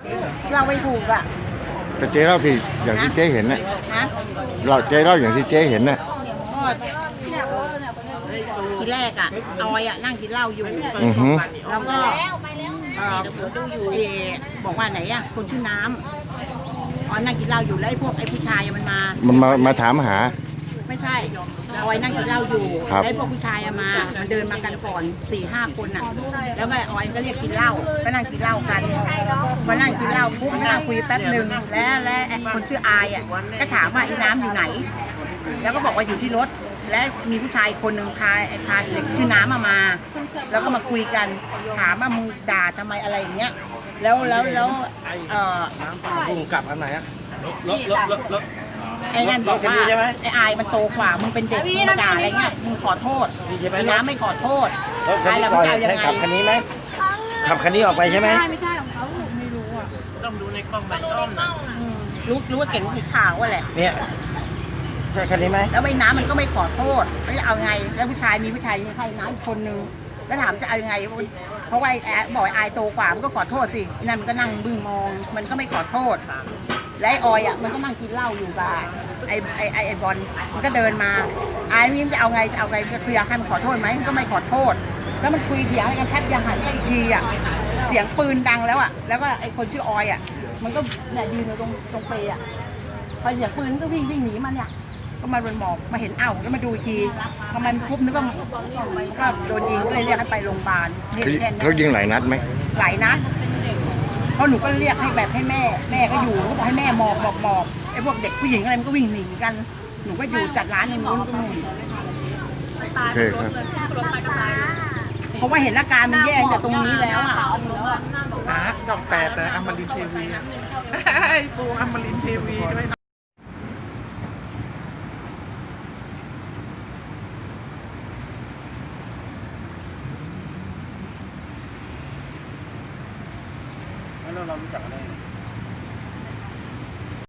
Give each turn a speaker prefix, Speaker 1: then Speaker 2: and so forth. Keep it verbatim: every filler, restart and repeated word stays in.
Speaker 1: เราไม่ถูกอ่ะ
Speaker 2: แต่เจ๊เล่าที่อย่างที่เจ๊เห็นนะเราเจ๊เล่าอย่างที่เจ๊เห็นนะ
Speaker 1: ก็ทีแรกอ่ะออยอ่ะนั่งกินเหล้าอยู่แล้วก็เอบอกว่าไหนอ่ะคนชื่อน้ำออยนั่งกินเหล้าอยู่แล้วไอ้พวกไอ้ผู้ชายมันมา
Speaker 2: มันมามาถามหา
Speaker 1: ไม่ใช่ออยนั่งกินเหล้าอยู่ไอ้พวกผู้ชายมามันเดินมากันก่อนสี่ห้าคนอ่ะแล้วก็ออยก็เรียกกินเหล้าก็นั่งกินเหล้ากันพอนั่งกินเหล้าปุ๊บนั่งคุยแป๊บหนึ่งแล้วแล้วคนชื่ออายอ่ะก็ถามว่าไอ้น้ำอยู่ไหนแล้วก็บอกว่าอยู่ที่รถและมีผู้ชายคนหนึ่งพาพาเด็กชื่อน้ำมามาแล้วก็มาคุยกันถามว่ามึงด่าทำไมอะไรอย่างเงี้ยแล้วแล้วแล้วเอ่อ
Speaker 3: พุ่งกลับอันไหนอะรถรถรถรถ
Speaker 1: ไอ้นั่นบอกว่าไอ้อายมันโตกว่ามึงเป็นเด็กมึงมาด่าอะไรเงี้ยมึงขอโทษไอ้น้ำไม่ขอโทษ
Speaker 3: ใครเราไม่เอายังไงขับคันนี้ไหมขับคันนี้ออกไปใช่ไหม
Speaker 1: ไม่ใช่ของเขาไม่รู้อ่ะ
Speaker 3: ต้องดูในกล้องไป
Speaker 1: ดูในกล้องรู้รู้ว่าเก่งสีขาวว่าแหละ
Speaker 3: เนี่ยใช่คันนี้ไหม
Speaker 1: แล้วไอ้น้ำมันก็ไม่ขอโทษแล้วจะเอาไงแล้วผู้ชายมีผู้ชายใครน้ำอีกคนนึงแล้วถามจะเอายังไงเพราะว่าไอ้บอกไอ้โตกว่ามันก็ขอโทษสินั่นมันก็นั่งบึ้งมองมันก็ไม่ขอโทษและไอ้ออยอ่ะมันก็นั่งกินเหล้าอยู่บ้านไอ้ไอ้ไอ้ไอ้บอลมันก็เดินมาไอ้นี่จะเอาไงจะเอาไงก็คืออยากให้มันขอโทษไหมมันก็ไม่ขอโทษแล้วมันคุยเถียงอะไรกันแทบจะหันไปอีกทีอ่ะเสียงปืนดังแล้วอ่ะแล้วก็ไอ้คนชื่อออยอ่ะมันก็เนี่ยยืนอยู่ตรงตรงเปย์อ่ะพอเสียงปืนก็วิ่งวิ่งหนีมันเนี่ยก็มาโดนหมอกมาเห็นเอ้าแล้วมาดูทีทำไมมันปุ๊บนึกว่าก็โดนยิงก็เลยเรียกให้ไปโรงพยาบาลเห็นแค่นั้น
Speaker 2: เขายิงหลายนัดไหม
Speaker 1: หลายนัดเพราะหนูก็เรียกให้แบบให้แม่แม่ก็อยู่ก็บอกให้แม่หมอบหมอบหมอบไอ้พวกเด็กผู้หญิงอะไรมันก็วิ่งหนีกันหนูก็อยู่จัดร้านในนู้นก็นู่น
Speaker 2: โอเคครับ
Speaker 1: เพราะว่าเห็นอาการมันแย่จากตรงนี้แล้วอ่ะ
Speaker 3: หาดอกแปดนะอมรินทีวีไอ้ปูอมรินทีวีด้วยนะแล้วเรารู้จักอะไร